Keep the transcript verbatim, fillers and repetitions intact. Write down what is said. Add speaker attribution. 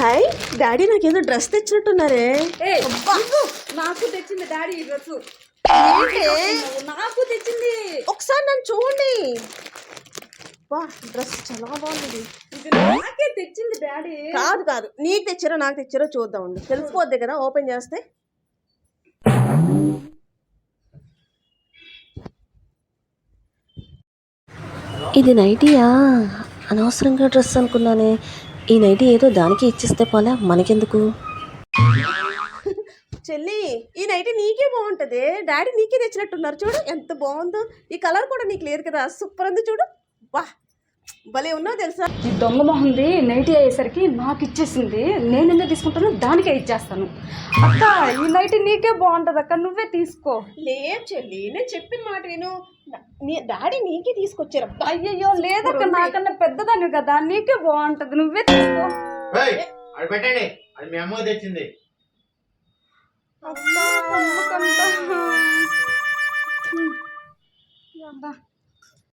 Speaker 1: Hi daddy నాకేదో dress తెచ్చినట్టున్నారే.
Speaker 2: నాకు తెచ్చింది డాడీ ఈ డ్రెస్.
Speaker 1: ఏంటి
Speaker 2: నాకు తెచ్చింది,
Speaker 1: ఒకసారి నన్ను చూడండి. వా డ్రెస్ చాలా బాగుంది.
Speaker 2: ఇది నాకే తెచ్చింది డాడీ.
Speaker 1: కాదు కాదు నీకు తెచ్చారో నాకు తెచ్చారో చూద్దామండి, తెలిసిపోద్ది కదా ఓపెన్ చేస్తే. ఇది నైటీయా? అనవసరంగా డ్రెస్ అనుకున్నానే. ఈ నైటీ ఏదో దానికి ఇచ్చిస్తే పోలే, మనకెందుకు. చెల్లి ఈ నైటీ నీకే బాగుంటుంది, డాడీ నీకే తెచ్చినట్టున్నారు. చూడు ఎంత బాగుందో. ఈ కలర్ కూడా నీకు లేదు కదా, సూపర్ ఉంది చూడు. వా భలే ఉన్నావు తెలుసా.
Speaker 2: ఈ దొంగ మొహంది నైటీ అయ్యేసరికి నాకు ఇచ్చేసింది. నేను ఎందుకు తీసుకుంటాను, దానికే ఇచ్చేస్తాను. అక్క ఈ నైటీ నీకే బాగుంటుంది అక్క, నువ్వే తీసుకో.
Speaker 1: లేదు చెల్లి నేను చెప్పిన మాట విను, డాడీ నీకే తీసుకొచ్చారు.
Speaker 2: అయ్యయ్యో లేదక్క, నాకన్నా పెద్దదాన్ని కదా, నీకే బాగుంటది, నువ్వే తీసుకో.
Speaker 3: అది పెట్టండి, అది మీ అమ్మ తెచ్చింది.
Speaker 2: అక్క